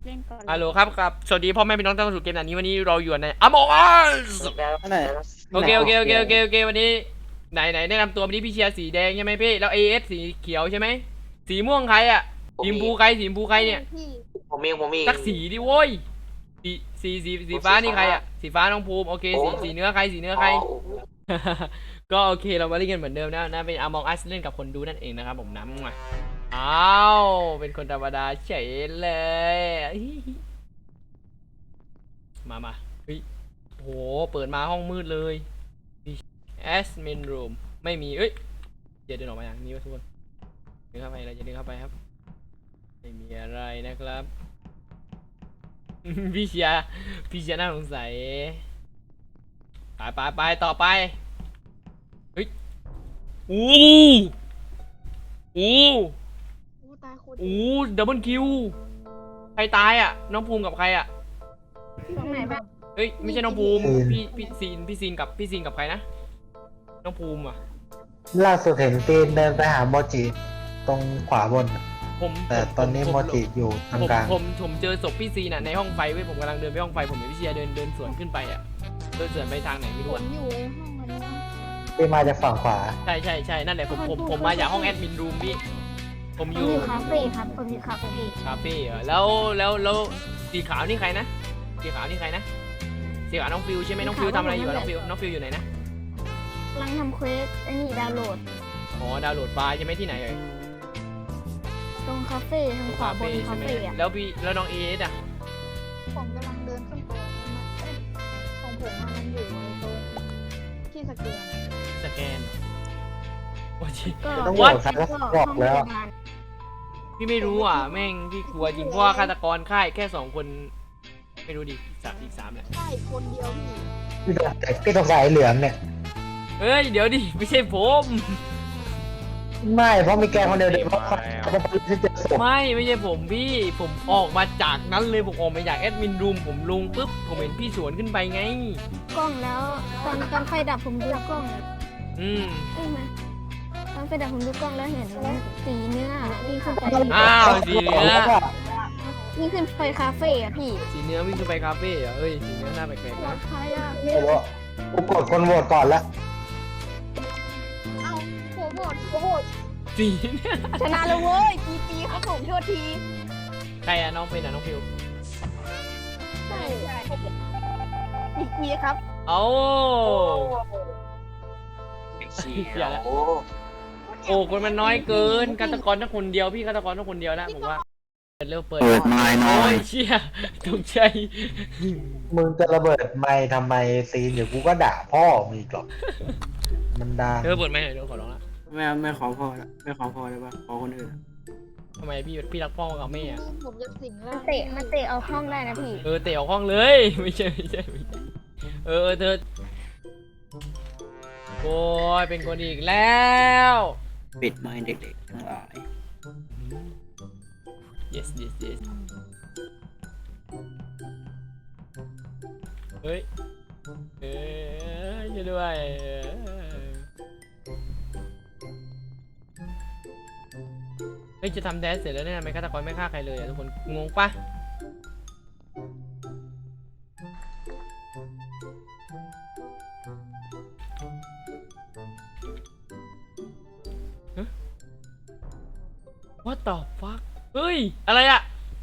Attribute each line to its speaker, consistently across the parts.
Speaker 1: เล่นก่อน
Speaker 2: ฮัลโหลครับสวัสดีพ่อแม่พี่น้องท่านผู้ชมเกมนี้วันนี้เราอยู่ใน Among Us
Speaker 3: อะไร
Speaker 2: โอเควันนี้ไหนแนะนำตัววันนี้พี่เชียร์สีแดงใช่ไหมพี่แล้ว AS สีเขียวใช่ไหมสีม่วงใครอ่ะสีชมพูใครเนี่ย
Speaker 1: พี่
Speaker 3: ผมเอง
Speaker 2: สักสีดิโว้ยสีฟ้านี่ใครอ่ะสีฟ้าน้องภูมิโอเคสีเนื้อใครก็โอเคเรามาเล่นกันเหมือนเดิมนะเป็น Among Us เล่นกับคนดูนั่นเองนะครับผมน้ำมาอ้าวเป็นคนธรรมดาเฉยเลยมาเฮ้ยโหเปิดมาห้องมืดเลย Admin Room ไม่มีเอ้ยเดินออกมาอย่างนี้วะทุกคนเดินเข้าไปเราจะเดินเข้าไปครับไม่มีอะไรนะครับ พี่เชียร์น่าสงสัยไปต่อไปเฮ้ยอู้
Speaker 1: ตายโคตร
Speaker 2: ดับเบิลคิวใครตายอ่ะน้องภูมิกับใครอ่ะ
Speaker 1: ตรงไหนบ้าง
Speaker 2: เฮ้ยไม่ใช่น้องภูมิพี่ซีนกับใครนะน้องภูมิอ่ะ
Speaker 4: ล่าสุดเห็นตีนเดินไปหาโมจิตรงขวาบน แต่ตอนนี้โมจิอยู่ตรงกลาง
Speaker 2: ผมเจอศพพี่ซีนอ่ะในห้องไฟเว้ยผมกำลังเดินไปห้องไฟผมเห็นพี่เชียร์เดินสวนขึ้นไปอ่ะเดินสวนไปทางไหนไม่
Speaker 1: ผ
Speaker 2: รู้
Speaker 1: ม
Speaker 2: อ่ะ
Speaker 1: อยู่ในห้องอันนี้
Speaker 4: ที่มาจากฝั่งขวา
Speaker 2: ใช่นั่นแหละผมมาจากห้องแอดมินรูมพี่ผมอยู่
Speaker 1: คาเฟ่ครับผมอยู่คาเฟ่
Speaker 2: คาเฟ่เหรอแล้วสีขาวนี่ใครนะสีขาวน้องฟิวใช่ไหมน้องฟิวทำอะไรอยู่อะน้องฟิวอยู่ไหนนะ
Speaker 1: กำลังทำเควสไอ้นี่ดาวน์โหลด
Speaker 2: อ๋อดาวน์โหลดไฟล์ใช่ไหมที่ไหนเอ่ย
Speaker 1: ตรงคาเฟ่ทางขวาบนคา
Speaker 2: ใช่ไหม
Speaker 1: เฟ่อะ
Speaker 2: แล้วน้องเอสอ่ะ
Speaker 1: ผมกำลังเดินขึ้นไปของผมมันอยู่ในตรงที่สแกน
Speaker 2: สแกนโอ้ย
Speaker 1: ก็
Speaker 4: ต้อง
Speaker 2: What?
Speaker 4: บอกครับว่าบอกแล้ว
Speaker 2: พี่ไม่รู้อ่ะแม่งพี่กลัวจริงเพราะว่าฆาตกรค่ายแค่2 คนไม่รู้ดิอีกสามแหละ
Speaker 1: ใช่คนเดียวพี่
Speaker 4: พี่สงสัยเหลืองเนี่ย
Speaker 2: เอ้ยเดี๋ยวดิไม่ใช่ผม
Speaker 4: ไม่เพราะมีแกคนเดียวเพราะเขาที่เจอศพ
Speaker 2: ไม่ใช่ผมพี่ผมออกมาจากนั้นเลยผมออกมาจากแอดมินรูมผมลงปุ๊บผมเห็นพี่สวนขึ้นไปไง
Speaker 1: กล้องแล้วตอนไฟดับผมดูกล้อง
Speaker 2: อืม
Speaker 1: ใช่ไหมตอนไฟดับผมดูกล้องแล้วเห็นสีเนื้อวิ่งขึ้นไป
Speaker 2: อ้าวสีเนื้อ
Speaker 1: วิ่งขึ้นไปคาเฟ่อะพี่
Speaker 2: สีเนื้อวิ่งขึ้นไปคาเฟ่เหรอเอ้ยสีเนื้อหน้าแปลกๆนะ
Speaker 1: ใครอะ
Speaker 4: ไม่รู้กูกดคนโหวตก่อนละ
Speaker 1: เอ้าผมโหวต
Speaker 2: สีเนี่ย
Speaker 1: ชนะเลยเว้ยปีครับผมโทษที
Speaker 2: ใครอะน้องเป็นอะน้องฟิว
Speaker 1: ใช่ปีครับ
Speaker 2: เอ้า
Speaker 3: เชี
Speaker 2: อย่า
Speaker 3: ยว
Speaker 2: ละ โอ้คนมันน้อยเกินฆาตกรต้องคนเดียวพี่ฆาตกรต้องคนเดียวนะผมว่าเปิด
Speaker 3: ไม้น้อ
Speaker 2: โอ้
Speaker 3: ย
Speaker 2: ยเชี่ยตกใจ
Speaker 4: มึงจะระเบิดไมค์ทำไมซีนเดี๋ยวกูก็ด่าพ่อมีกหรอกมันดัง
Speaker 2: เปิดไหมเดี๋ยวขอร้องละ
Speaker 5: ไม่ขอพอละไม่ขอพอเลยปะขอคนอื่นอะ
Speaker 2: ทำไมพี่รักพ่อกับแม่อะ
Speaker 1: ผมจะสิงแล้วมันเตะเอาห้องได้นะพี่
Speaker 2: เตะออกห้องเลย ไม่ใช่เธอโอ้ยเป็นคนอีกแล้ว
Speaker 5: ปิดไม้เด็กๆทั้งหลาย
Speaker 2: yes เฮ้ยช่วยด้วยเฮ้ยจะทำแดนเสร็จแล้วเนี่ยทำไมฆาตกรไม่ฆ่าใครเลยอะทุกคนงงปะWhat the fuck เฮ้ยอะไรอะ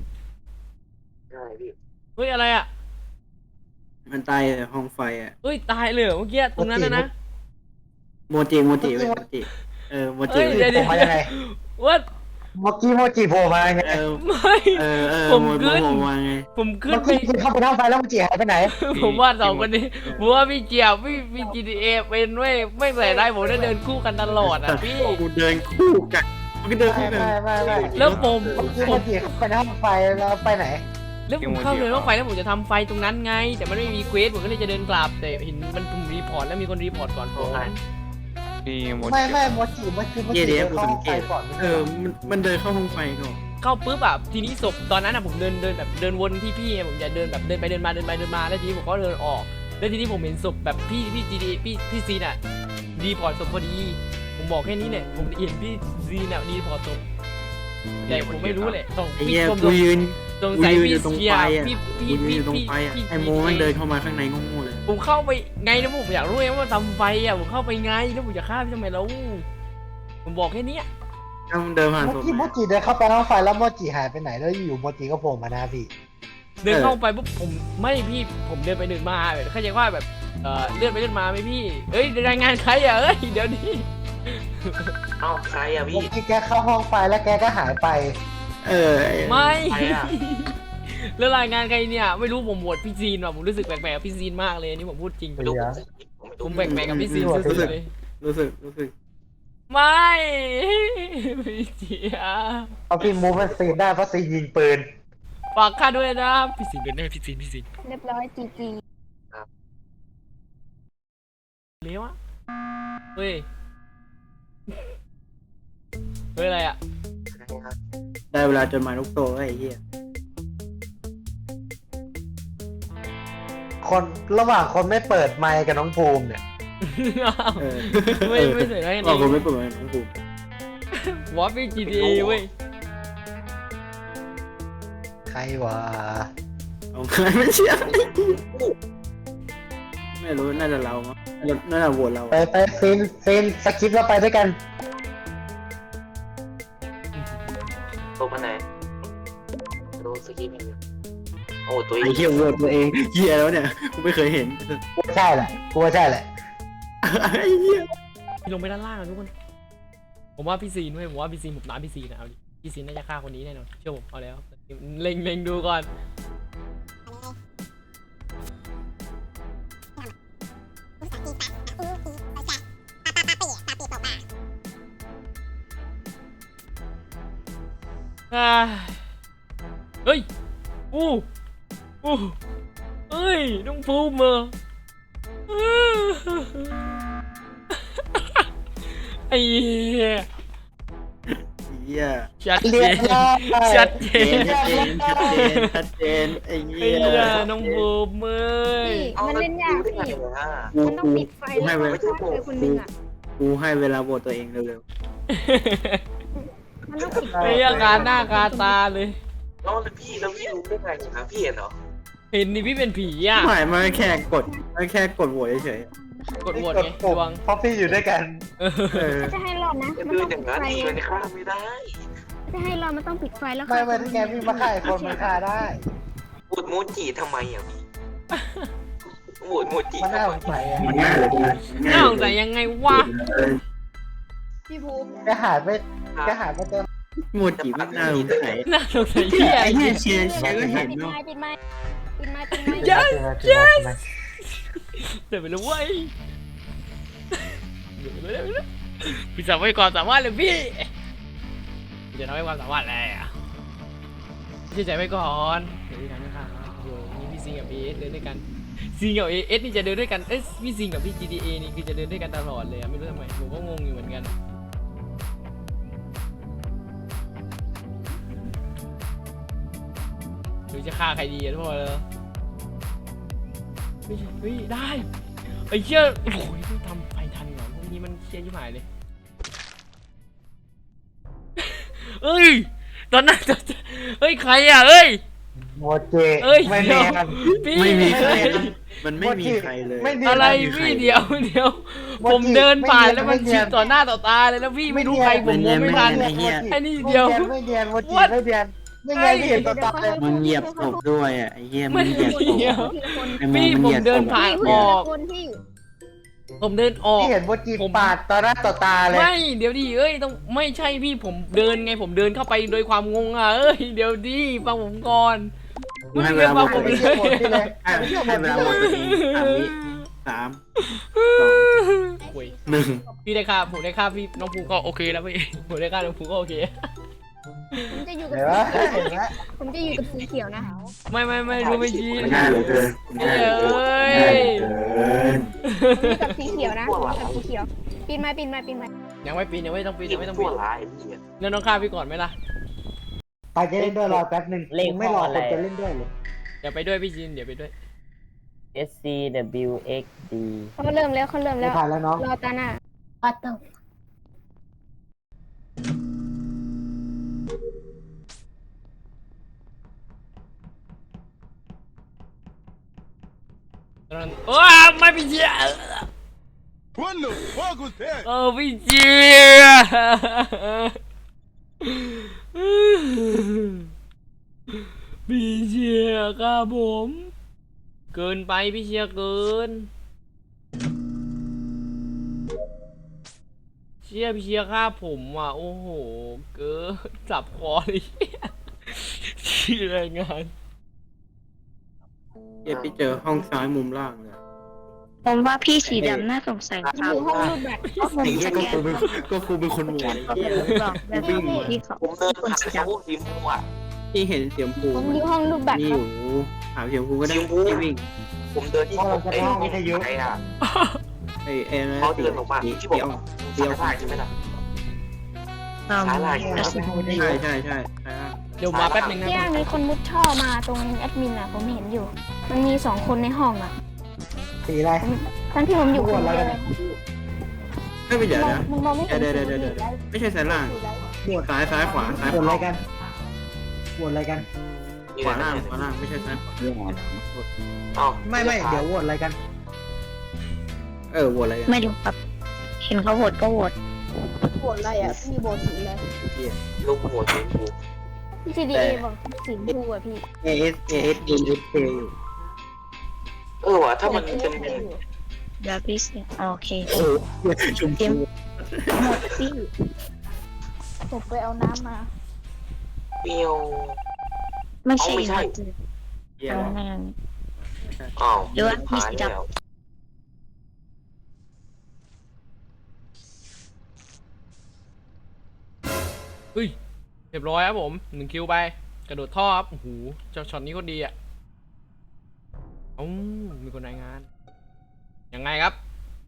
Speaker 2: เฮ้ยอะไรอะ
Speaker 5: มันตายในห้องไฟอ่ะ
Speaker 2: เฮ้ยตายเลยเหรอเมื่อกี้ตรงนั้นนะ
Speaker 5: โมจิเว้ยโมจิโมจิ
Speaker 2: เฮ้ย
Speaker 5: เว้ย
Speaker 2: เดี๋ยว
Speaker 4: มายังไง
Speaker 2: What
Speaker 4: เมื่อกี้โมจิโผล่มาไง
Speaker 2: ไม่ ผม
Speaker 5: โม
Speaker 2: ขึ้น
Speaker 5: โมมาไง
Speaker 2: ผมขึ้
Speaker 4: เมื่
Speaker 2: น
Speaker 4: อ
Speaker 2: ไป
Speaker 4: กี้เข้าไปนั่งไฟแล้วโมจิหายไปไหน
Speaker 2: ผมว่า2 คนนี้ผมว่าพี่เจียบพี่ GTA เป็นไม่ใส่ได้ผมได้เดินคู่กันตลอดอ่ะพี่
Speaker 5: กูเดินคู่กันมันก็เดินคู่กัน
Speaker 4: ไม่
Speaker 2: แล้วผม
Speaker 4: เมื่อกี้โมจิเข้าไปในห้องไฟแล้วไปไหน
Speaker 2: แล้วผมเข้าเลยว่าไฟแล้วผมจะทำไฟตรงนั้นไง แต่มันไม่มีเควสผมก็เลยจะเดินกลับแต่เห็นมันปุ่มรีพอร์ตแล้วมีคนรีพอร์ตก่อนผมอ่าน
Speaker 4: ไม่โมจิเมื่อกี้โมจิ
Speaker 5: เดี๋ยว
Speaker 4: เข้า
Speaker 5: กู
Speaker 4: ห้
Speaker 5: สั
Speaker 4: อง ง
Speaker 5: เก
Speaker 4: ไฟ
Speaker 5: ต
Speaker 4: ก่อน
Speaker 5: มันเดินเข้าห้องไฟก่อน
Speaker 2: เข้าปุ๊บอ่ะทีนี้ศพตอนนั้นอ่ะผมเดินแบบเดินวนที่พี่ไงผมจะเดินแบบเดินไปเดินมาแล้วทีนี้ผมก็เดินออกแล้วทีนี้ผมเห็นศพแบบพี่ GTA พี่ซีนอ่ะรีพอร์ตศพพอดีผมบอกแค่นี้เนี่ยผมเห็นพี่ซีนอ่ะรีพอร์ตศพแต่ผมไม่รู้แหละต้อง
Speaker 5: ไอ้
Speaker 2: พี่
Speaker 5: เหี้ย
Speaker 2: ชม
Speaker 5: กูยืน
Speaker 2: สงสัย
Speaker 5: กูยืน
Speaker 2: พี่
Speaker 5: อยู่ตรง
Speaker 2: เสีย
Speaker 5: ไฟอ่ะ
Speaker 2: พี่
Speaker 5: กูยืนอยู่ตรงไฟอ่ะไอ้โมมันเดินเข้ามาข้างในงงๆเลย
Speaker 2: ผมเข้าไปไงนะผมอยากรู้ไงว่าทำไฟอ่ะผมเข้าไปไงแล้วผมจะฆ่าพี่ทำไมแล้วผมบอกแค่เนี้ย
Speaker 5: ถ้ามึงเดินผ่าน
Speaker 4: เมื่
Speaker 5: ศ
Speaker 4: อ
Speaker 5: พ
Speaker 4: กี้โมจิเดินเข้าไปห้องไฟแล้วโมจิหายไปไหนแล้วอยู่โมจิก็โผล่มาหน้าพี่
Speaker 2: เดินเข้าไปปุ๊บผมไม่พี่ผมเดินไปเดินมาแบบเข้าใจว่าแบบเลื่อนไปเลื่อนมาไหมพี่เอ้ยรายงานใครอ่ะเอ้ยเดี๋ยวนี้
Speaker 3: เอ้าใครอะ
Speaker 4: โม
Speaker 3: พี่
Speaker 4: จิแกเข้าห้องไฟแล้วแกก็หายไป
Speaker 2: ไม่
Speaker 3: ใครอะ
Speaker 2: แล้วรายงานใครเนี่ยไม่รู้ผมโหวตพี่ซีนว่ะผมรู้สึกแปลกๆกับพี่ซีนมากเลยอันนี่ผมพูดจริง
Speaker 3: ไม่รู้
Speaker 4: เดี๋ยว
Speaker 2: ผมแปลกๆกับพี่ซีนสุดๆเลย
Speaker 5: รู้สึก
Speaker 2: ไม่พี่เจีย
Speaker 4: เอาพี่มูฟมันซีนได้เพราะซีนยิงปืน
Speaker 2: ฝากข้าด้วยนะพี่ซีนเป็นแน่พี่ซีน
Speaker 1: เรียบร้อยจีจี
Speaker 2: เลี้ยวอะเฮ้ยอะไรอ่ะ
Speaker 5: ได้เวลาจดหมายลูกโตแล้วไอ้เหี้ย
Speaker 4: คนระหว่างคนไม่เปิดไมค์กับน้องภูมิเนี่ย
Speaker 5: เออ
Speaker 2: ไม่เสร็จแล้ว
Speaker 5: บอกผม
Speaker 2: นี่
Speaker 5: ไม่เปิดน้องภูมิ
Speaker 2: วอฟฟี่ GTA เว้ย
Speaker 4: ใครวะ
Speaker 5: เอาใครไม่เชื่อไม่รู้น่าจะเรามั้งน่าจะโหวตเรา
Speaker 4: ไปซีนสกิปแล้วไปด้วยกัน
Speaker 3: ตัวมันไหนดูสกีมันโอ้ตัวเอ
Speaker 5: ไอ้
Speaker 3: ง
Speaker 5: เหี้ยโหวตตัวเองเหี้ยแล้วเนี่ยกูไม่เคยเห็น
Speaker 4: กูว่าใช่แหละกูว่าใช่แหละ
Speaker 5: ไอ้เหี้ย
Speaker 2: พี่ลงไปด้านล่างอะทุกคนผมว่าพี่ซีนเว้ยผมว่าพี่ซีนผมน้ำพี่ซีนนะเอาดิพี่ซีนน่าจะฆ่าคนนี้แน่นอนเชื่อผมเอาแล้วเล็งดูก่อนเฮ้ยอู้เฮ้ยน้องภูมิเหรอไอ้เหี้ย
Speaker 5: เหี้ย
Speaker 2: ชัด
Speaker 4: เรี
Speaker 2: เจ
Speaker 4: ยบ
Speaker 2: น
Speaker 4: ร้อย
Speaker 2: ชัดเจ
Speaker 5: ชัดเจนไอ้
Speaker 2: ไอ้
Speaker 5: เหี้ย
Speaker 2: เหี้ยน้องภูมิเอ้ย
Speaker 1: พี่มันเล่นยากพี่ มันต้องปิดไฟแล้วก็ฆ่าใครคนหนึ่งอ่ะ
Speaker 5: กูให้เวลาโหวตตัวเองเร็ว
Speaker 1: มันต้องปิดไฟ
Speaker 2: ไอ้เหี้ยคาหน้าคาตาเลย
Speaker 3: แล้วพี่รู้ได้ไงครับพี่เห็นเหรอ
Speaker 2: เห็นนี่พี่เป็นผีอ่ะ
Speaker 5: ๆไม่มันแค่กดโหวตเฉย
Speaker 2: กดโหวตไง
Speaker 4: ปุ่
Speaker 2: ด
Speaker 4: ม
Speaker 2: วง
Speaker 4: เพราะพี่อยู่ด้วยกัน
Speaker 5: ๆเออ
Speaker 1: จะให้รอดนะ
Speaker 3: จะ
Speaker 1: มัน
Speaker 3: เดิ
Speaker 1: ต้
Speaker 3: น
Speaker 1: อง
Speaker 3: อ
Speaker 1: ปิ
Speaker 3: ย่า
Speaker 1: ด
Speaker 3: งนั้น
Speaker 1: ไฟ
Speaker 3: ดีเลยข้ามไม่ได้
Speaker 1: จะให้รอดมันต้องปิดไฟแล้ว
Speaker 4: ไม่ไม่ที่แกพี่มาฆ่าไอ้คนมันฆ่าได้
Speaker 3: พูดโมจิทำไมอ่ะพี่โหวตโมจิ
Speaker 4: มันน่า
Speaker 3: ทำ
Speaker 4: ส
Speaker 3: ไม
Speaker 4: งสัยอะ
Speaker 5: มันง่ายเลย
Speaker 2: น่าสงสัยยังไงวะ
Speaker 1: พี่ภูมิ
Speaker 4: แกหายไปเจอ
Speaker 5: โมจิไม่น่าสงสัย
Speaker 2: น่าสงสัยเหี้ย
Speaker 5: ไอ้เหี้ยเชียร์ก็เห็น
Speaker 1: ปิด
Speaker 5: เนาะ
Speaker 1: ไม้ปิดไม้ปิดไม้ปิดไม้
Speaker 2: ยัน
Speaker 4: เจอ
Speaker 2: เดี๋ยวไปเลยเว้ยเดี๋ยวไปเลยพี่สามารถความสามารถเลยพี่จะทำให้ความสามารถอะไรอ่ะเชื่อใจไว้ก่อนเดี๋ยวพี่ทำนะครับโอ้โหนี่พี่ซิงกับพี่เอสเดินด้วยกันซิงกับเอสนี่จะเดินด้วยกันพี่ซิงกับพี่ GTA นี่คือจะเดินด้วยกันตลอดเลยอะไม่รู้ทำไมผมก็งงอยู่เหมือนกันหรือจะฆ่าใครดีอะทุกคนเลยเฮ้ยได้ไอ้เชี่ยโอ้ยไม่ทำไฟทันเหรอพวกนี้มันเชี่ยชิบหายเลยเอ้ยตอนนั้นเฮ้ยใครอ่ะเอ้ย
Speaker 4: โมเจ
Speaker 2: เอ้ย
Speaker 4: ไม่
Speaker 2: เดี๋
Speaker 4: เนี
Speaker 2: ย
Speaker 4: ยว น
Speaker 2: พี่
Speaker 5: ไม่มีใครมันไม่มีใครเลย
Speaker 4: ไม่เนียน
Speaker 2: อะไรพี่เดี๋ยวผมเดินผ่านแล้วมันชิดต่อหน้าต่อตาเลยแล้วพี่ไม่รู้ใครผมมองไม่ทัน
Speaker 5: ไอ้เหี้ย
Speaker 2: ไอ้นี่เดียว
Speaker 4: ไม่เนียนโมจิ
Speaker 2: What?
Speaker 4: ไม่เนียนไม่เนียนไม่เห็นตัวตาเลย
Speaker 5: มึงเหยียบศพด้วยอ่ะไอ้เหี้ยมึงเหยียบศพ
Speaker 2: เดี๋ยว
Speaker 1: ทีละคน
Speaker 5: ไอ้โม
Speaker 2: พี่
Speaker 5: มัน
Speaker 2: ผ
Speaker 5: เห
Speaker 2: ม
Speaker 5: ยียบ
Speaker 2: เดิน
Speaker 5: ศพ
Speaker 2: ผ่าน
Speaker 1: พี่
Speaker 2: อ
Speaker 1: ที
Speaker 2: อ
Speaker 1: ละ
Speaker 2: ก
Speaker 1: คนพี่
Speaker 2: ผมเดินออก
Speaker 4: ที่เห็นโมจิปาดต่อหน้าต่อตาเลย
Speaker 2: ไม่เดี๋ยวดิเอ้ยต้องไม่ใช่พี่ผมเดินไงผมเดินเข้าไปโดยความงงอ่ะเอ้ยเดี๋ยวดิฟังผมก่อน
Speaker 5: มึงให้เวลาโหวต
Speaker 2: ผ
Speaker 5: ตั
Speaker 2: ม
Speaker 5: วเอง
Speaker 2: เลย
Speaker 5: ให้เวลาโหวตตัวเอง3
Speaker 2: คุย
Speaker 5: วิ 3
Speaker 2: พี่ได้ค่าผมได้ค่าพี่น้องภูก็โอเคแล้วพี่ผมได้ค่าน้องภูก็โอเค
Speaker 1: ผมจะอยู่กับ
Speaker 4: เห็นไหมเห็นไหม
Speaker 1: ผมจะอยู่กับสีเขียวนะ
Speaker 2: ไม่รู้ไม่ชี้
Speaker 5: 1ง่ายเหลือเกิน
Speaker 2: เอ้ย
Speaker 1: ผมอยู่กับสีเขียวนะผมอยู่กับสีเขียวปีนไม้ปีนไม้ปีนไม้
Speaker 2: ยังไม่ปีนยังไม่ต้องปีนยังไม่ต้อง
Speaker 3: ตั
Speaker 2: ปี
Speaker 3: วน ร้ายพี่
Speaker 2: แล้วน้องฆ่าพี่ก่อนไหมล่ะ
Speaker 4: ไปจะเล่นด้วยรอแป๊บหนึ่งไม่รอคนจะเล่นด้วยเลย
Speaker 2: เดี๋ยวไปด้วยพี่จินเดี๋ยวไปด้วย
Speaker 6: SCWXD
Speaker 1: เขาเริ่มแล้วเขาเริ่ม
Speaker 4: ไม่
Speaker 1: แล้ว
Speaker 4: ผ่านแล้วน้อง
Speaker 1: รอตาหน้า
Speaker 6: What the
Speaker 1: เ
Speaker 2: โอ้ไม่พี่เชีย
Speaker 6: What the fuck was that?
Speaker 2: พี่เชียพี่เชียครับผมเกินไปพี่เชียเกินพี่เชียฆ่าผมว่ะโอ้โหเกินจับคอเลยชื่อรายงาน
Speaker 5: ไปเจอห้องซ้ายมุมล่างเลย
Speaker 7: ผมว่าพี่สีดำน่าสงสัยค
Speaker 1: อ
Speaker 7: รับ
Speaker 1: ยู่ห้องรูดบัตร
Speaker 7: เพราะผมสแกน
Speaker 5: ก็ครูเป็นคนโหวต
Speaker 7: บอกแบบพี่เขา
Speaker 3: ผมเดิน
Speaker 7: คน
Speaker 3: หา
Speaker 7: สี
Speaker 3: ชม
Speaker 7: ดำ
Speaker 3: พูสีม่วง
Speaker 5: ที่เห็นเสียงผู
Speaker 1: ผมอยู่ห้องรูดบัตร
Speaker 5: นี่
Speaker 1: ค
Speaker 5: อ
Speaker 1: รับ
Speaker 5: ยู่ถามเสียงผูก็ได้ที่วิ่ง
Speaker 3: ผมเดินที่ห้องไอ้ห้องวิทยุไอ้น่ะ
Speaker 5: ไอ้นะ
Speaker 3: เขาเดินออกมาที่บอกเดียวถ่ายใช่ไหมล่ะ
Speaker 7: ใช่
Speaker 5: ใช่
Speaker 2: เดี๋ยวมาแป๊บนึงนะ
Speaker 8: เนี่ยมีคนมุดท่อมาตรงแอดมินอ่ะผมเห็นอยู่ มันมี2 คนในห้องอ่ะ
Speaker 4: สีอะไร
Speaker 8: ทั้งที่ผมอยู่คนเดียว
Speaker 5: ไม่ไปเดี๋ยวนะ
Speaker 1: มึงมองไม่เห็น
Speaker 5: เดี๋ยวไม่ใช่สายล่างซ้ายขวาซ้าย
Speaker 4: โหวต
Speaker 5: ข
Speaker 4: อะไร
Speaker 5: วา
Speaker 4: กันโหวตอะไรกัน
Speaker 5: ขวาล่างไม่ใช่ซ้ายขวา
Speaker 3: อ๋อ
Speaker 4: ไม่เดี๋ยวโหวตอะไรกัน
Speaker 5: โหวตอะไรกัน
Speaker 7: ไม่รู้ครับ เห็นเขาโหวตก็โหวต
Speaker 1: โหวตอะไรอ่ะมีโหวตสีอะไร
Speaker 3: ลูกหัวสีชมพู
Speaker 8: พี่ CDA บอกสีชมพูอ่ะพี่
Speaker 5: AS NSK อยู่
Speaker 3: ว่ะถ้ามันเป็น
Speaker 7: เดี๋ยวพี่เสียโอเค
Speaker 5: โอ้ชมพู
Speaker 7: หมดพี่
Speaker 1: ผมไปเอาน้ำมา
Speaker 3: เปรี้ยว
Speaker 7: ไม่ใช่
Speaker 3: ไม่ใช่
Speaker 5: เยี่ย
Speaker 7: เอา
Speaker 5: ม
Speaker 7: งาน
Speaker 3: อ้าว
Speaker 7: หรือว่ามี
Speaker 3: หาย
Speaker 7: สี
Speaker 3: แล้
Speaker 7: ดำ
Speaker 3: ว
Speaker 2: เฮ้ยเรียบร้อยครับผม1 คิวไปกระโดดท่อครับโอ้โหช็อตนี้ก็ดีอ่ะมีคนรายงานยังไงครับ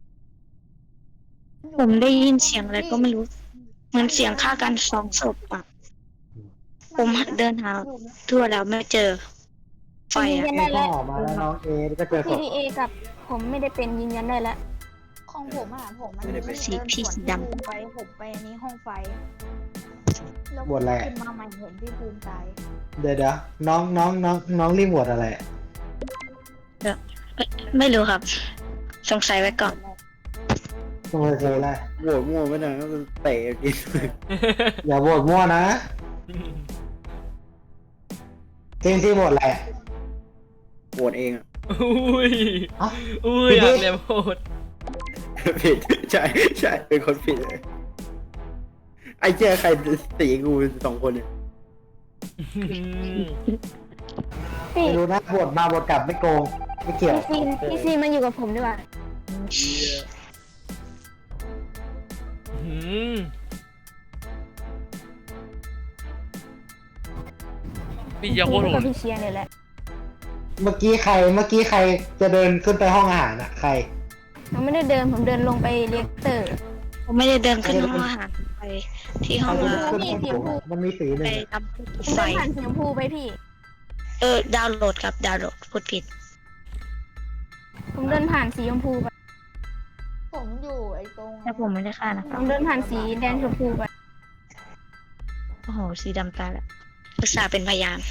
Speaker 7: ผมได้ยินเสียงอะไรก็ไม่รู้ เหมือนเสียงฆ่ากัน2 ศพอ่ะ ผมเดินหาทั่วแล้วไม่เจอ ไฟ
Speaker 8: ยืน
Speaker 7: อ่ะ
Speaker 8: ยันได้
Speaker 4: ก็
Speaker 8: แล้ว
Speaker 4: ออกมาแล้วน้องเอก็เจอศพ
Speaker 8: CDA กับผมไม่ได้เป็นยืนยันได้แล้ว
Speaker 1: ของผมอ่ะผมมัน
Speaker 7: สีพี่สีดำ
Speaker 1: ไปผมไปอันนี้ห้องไฟแล้ว
Speaker 4: โหวตอะไร
Speaker 1: ขึ้นมาใหม่เห็นพี่ภูมิตาย
Speaker 4: เดี๋ยวน้องรีบโหวตอะไร
Speaker 7: ไม่รู้ครับ สงสัยไว้ก่อน
Speaker 4: ต้องไปเจออะไร
Speaker 5: โหวตมั่วไม่ได้ก็เตะกิน
Speaker 4: อย่าโหวตมั่วนะที่โหวตอะไร
Speaker 5: โหวตเองอ่ะ
Speaker 2: อุ้ย
Speaker 4: เอ้า
Speaker 2: อุ้ย
Speaker 4: พี่
Speaker 2: อยาก
Speaker 4: บิ๊ก
Speaker 2: เรียนโหด
Speaker 5: ผิดใช่เป็นคนผิดเลยไอ้เจ้าใครตีกู2 คนเนี่ย
Speaker 8: พี่
Speaker 4: ไม่รู้นะโหวตมาโหวตกลับไม่โกงไม่เกี่ยว
Speaker 8: พี่ซีมาอยู่กับผมดีกว่า
Speaker 2: พี่จะโค
Speaker 8: ผม
Speaker 2: ตรโห
Speaker 8: กับ
Speaker 2: ด
Speaker 8: พี่เชียร์เนี่ยแหละ
Speaker 4: เมื่อกี้ใครจะเดินขึ้นไปห้องอาหารใคร
Speaker 8: ผมไม่ได้เดินผมเดินลงไปเรียกเตอร์
Speaker 7: ผมไม่ได้เดินขึ้นห้องอาหารไปที่ห้อง
Speaker 4: ใคร
Speaker 7: อา
Speaker 4: จะ
Speaker 7: หาร
Speaker 4: ขึ้นห้องโถงมันมีสีหนึ่
Speaker 7: ไป
Speaker 4: ง
Speaker 7: ทำ
Speaker 8: ผม
Speaker 7: ไฟ
Speaker 8: เดินผ่านสีชมพูไปพี่
Speaker 7: ดาวน์โหลดครับดาวน์โหลดพูดผิด
Speaker 8: ผมเดินผ่านสีชมพูไป
Speaker 1: ผมอยู่ไอ้ตรง
Speaker 7: แต่ผมไม่ได้ฆ่านะค
Speaker 8: ผ
Speaker 7: รับ
Speaker 8: มเดินผ่านสีแดงชมพูไป
Speaker 7: โอ้โหสีดำตายแล้วอุตส่าห์เป็นพยาน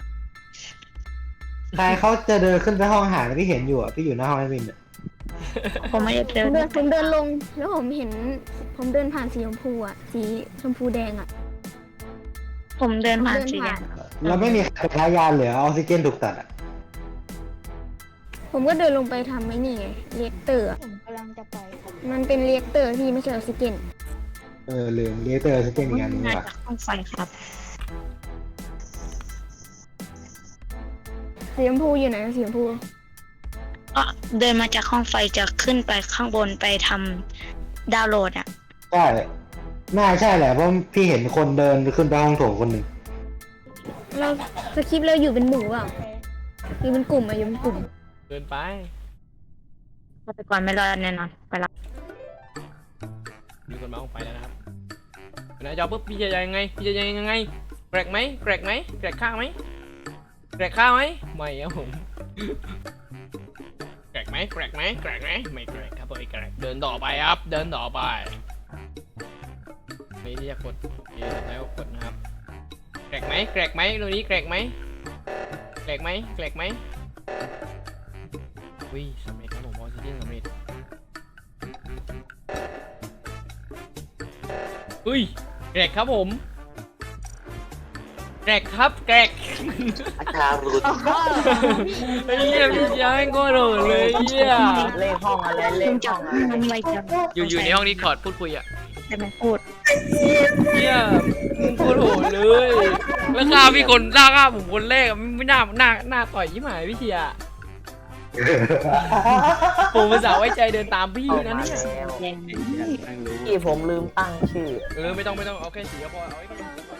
Speaker 4: ใครเขาจะเดินขึ้นไปห้องอาหารพี่เห็นอยู่อ่ะพี่อยู่หน้าห้องไอวิน
Speaker 7: ผมไม่ได้เดิน
Speaker 8: ผมเดินลงแล้วผมเห็น ผมเดินผ่านสีชมพูอ่ะสีชมพูแดงอ่ะ
Speaker 7: ผมเดินผ่านสีแดง
Speaker 4: แล้วไม่มีใครพายานเหลือออกซิเจนถูกตัดอ่ะ
Speaker 8: ผมก็เดินลงไปทำไอ้นี่ไงเรียกเตอร์อะ
Speaker 1: ผมกำลังจะไป
Speaker 8: มันเป็นเรียกเตอร์ที่ไม่ใช่ออกซิเจน
Speaker 4: ลืมเลเตอร์ออกซิเจนอีกอันนึง
Speaker 7: มา
Speaker 4: ว่ะ
Speaker 7: จากห้องไฟครับ
Speaker 8: สีชมพูอยู่ไหนสีชมพู
Speaker 7: ก็เดินมาจากห้องไฟจะขึ้นไปข้างบนไปทำดาวน์โหลดอ่ะ
Speaker 4: ใช่น่าใช่แหละเพราะพี่เห็นคนเดินขึ้นไปห้องโถงคนหนึ่ง
Speaker 8: เราสคริปต์เราอยู่เป็นหมู่เปล่าอยู่เป็นกลุ่มอะอยู่เป็นกลุ่ม
Speaker 2: เดินไป
Speaker 7: ฆาตกรไม่รอดแน่นอนไปละ
Speaker 2: มีคนมาออกไปแล้วนะครับนายจอปุ๊บพี่จะยังไงพี่จะยังไงแกรกไหมแกรกข้าวไหมไม่ครับผมแกรกไหมไม่แกรกครับผมไม่แกรกเดินต่อไปครับเดินต่อไปนี่ที่จะกดแล้วกดนะครับแกรกไหมตรงนี้แกรกไหมอุ้ยสำเร็จครับผมออกซิเจนสำเร็จอุ้ยแกรกครับผมแกรกครับแกรก
Speaker 3: อาจารย์รุด
Speaker 2: ไอ้เหี้ยพี่ย้ายก็โดดเลยเหี้ย
Speaker 3: เลขห้องอะไรเล
Speaker 7: คุ
Speaker 3: ข
Speaker 7: ณจะ
Speaker 3: ห้องอะไร
Speaker 7: ทำอะไรกัน
Speaker 2: อยู่ในห้องนี้คอร์ดพูดคุยอ่ะ
Speaker 7: แต่ไม่พูด
Speaker 2: เหี้ยมึงโคตรโหดเลยแล้วฆ่าพี่คนฆ่าผมคนแรกอะไม่น่าต่อยยิ่งหายพี่เชียร์ผมภาษาห์ไว้ใจเดินตามพี่นะเนี่ย
Speaker 7: แดง
Speaker 3: ที่ผมลืมตั้งชื่อ
Speaker 2: ไม่ต้องเอาแค่สีก็พอเอาไว้